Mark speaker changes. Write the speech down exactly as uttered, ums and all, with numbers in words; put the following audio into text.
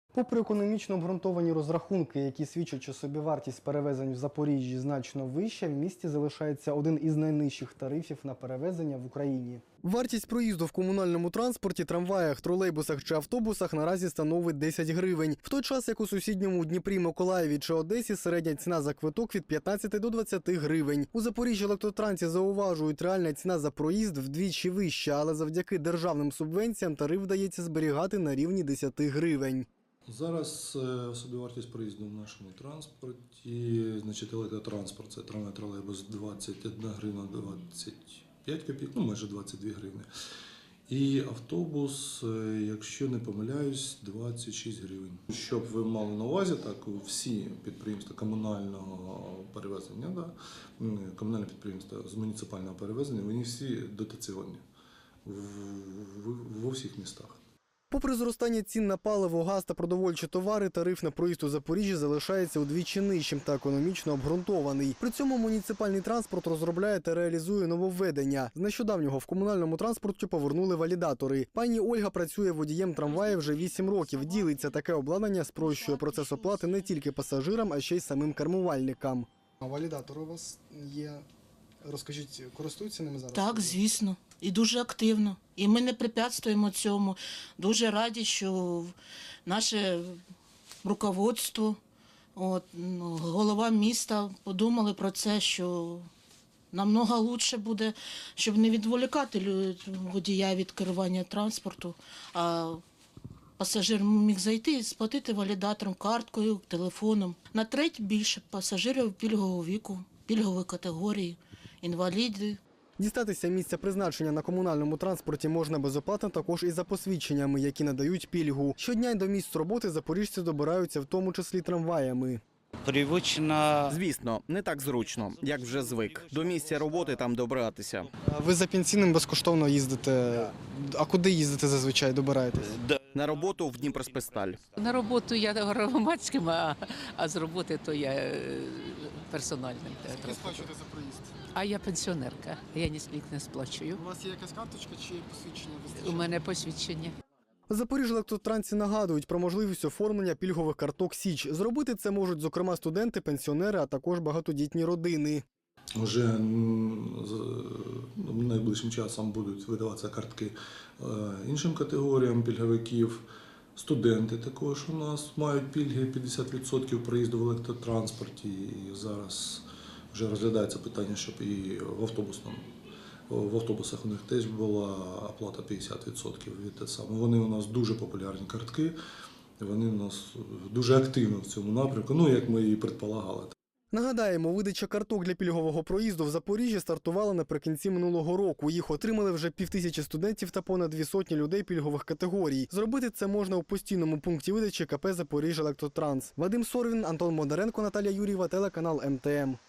Speaker 1: Попри економічно обґрунтовані розрахунки, які свідчать, що собівартість перевезень в Запоріжжі значно вища, в місті залишається один із найнижчих тарифів на перевезення в Україні. Вартість проїзду в комунальному транспорті, трамваях, тролейбусах чи автобусах наразі становить десять гривень. В той час, як у сусідньому Дніпрі, Миколаєві чи Одесі середня ціна за квиток від п'ятнадцяти до двадцяти гривень. У Запоріжжі Електротрансі зауважують, реальна ціна за проїзд вдвічі вища, але завдяки державним субвенціям тариф вдається зберігати на рівні десяти гривень.
Speaker 2: Зараз собівартість проїзду в нашому транспорті, значить електротранспорт, це трамвай, тролейбус двадцять одна гривня двадцять п'ять копійок, ну майже двадцять дві гривні. І автобус, якщо не помиляюсь, двадцять шість гривень. Щоб ви мали на увазі, так всі підприємства комунального перевезення, да, комунальне підприємства з муніципального перевезення, вони всі дотаційні в, в, в усіх містах.
Speaker 1: Попри зростання цін на паливо, газ та продовольчі товари, тариф на проїзд у Запоріжжі залишається удвічі нижчим та економічно обґрунтований. При цьому муніципальний транспорт розробляє та реалізує нововведення. З нещодавнього в комунальному транспорті повернули валідатори. Пані Ольга працює водієм трамваю вже вісім років. Ділиться, таке обладнання спрощує процес оплати не тільки пасажирам, а ще й самим кермувальникам. А валідатори у вас є? Розкажіть, користуються ними зараз?
Speaker 3: Так, звісно. І дуже активно. І ми не препятствуємо цьому. Дуже раді, що наше руководство, от, голова міста подумали про це, що намного краще буде, щоб не відволікати водія від керування транспорту, а пасажир міг зайти і сплатити валідатором, карткою, телефоном. На треть більше пасажирів пільгового віку, пільгової категорії, інваліди.
Speaker 1: Дістатися місця призначення на комунальному транспорті можна безоплатно також і за посвідченнями, які надають пільгу. Щодня й до місць роботи запоріжці добираються в тому числі трамваями.
Speaker 4: Привично. Звісно, не так зручно, як вже звик. До місця роботи там добиратися.
Speaker 1: Ви за пенсійним безкоштовно їздите. А куди їздите зазвичай, добираєтесь?
Speaker 4: На роботу в Дніпроспесталь.
Speaker 5: На роботу я громадським, а, а з роботи то я е, персональним.
Speaker 1: Скільки сплачуєте за проїзд?
Speaker 5: А я пенсіонерка, я ні скільки не сплачую.
Speaker 1: У вас є якась карточка чи посвідчення?
Speaker 5: У мене посвідчення.
Speaker 1: Запоріжжя-Електротранці нагадують про можливість оформлення пільгових карток «Січ». Зробити це можуть, зокрема, студенти, пенсіонери, а також багатодітні родини.
Speaker 2: Вже найближчим часом будуть видаватися картки іншим категоріям пільговиків. Студенти також у нас мають пільги п'ятдесят відсотків проїзду в електротранспорті. І зараз вже розглядається питання, щоб і в автобусному. В автобусах у них теж була оплата п'ятдесят відсотків від те саме. Вони у нас дуже популярні картки, вони у нас дуже активно в цьому напрямку, ну як ми і предполагали.
Speaker 1: Нагадаємо, видача карток для пільгового проїзду в Запоріжжі стартувала наприкінці минулого року. Їх отримали вже півтисячі студентів та понад дві сотні людей пільгових категорій. Зробити це можна у постійному пункті видачі КП «Запоріжжя-Електротранс». Вадим Сорвін, Антон Модаренко, Наталія Юрієва, телеканал ем те ем.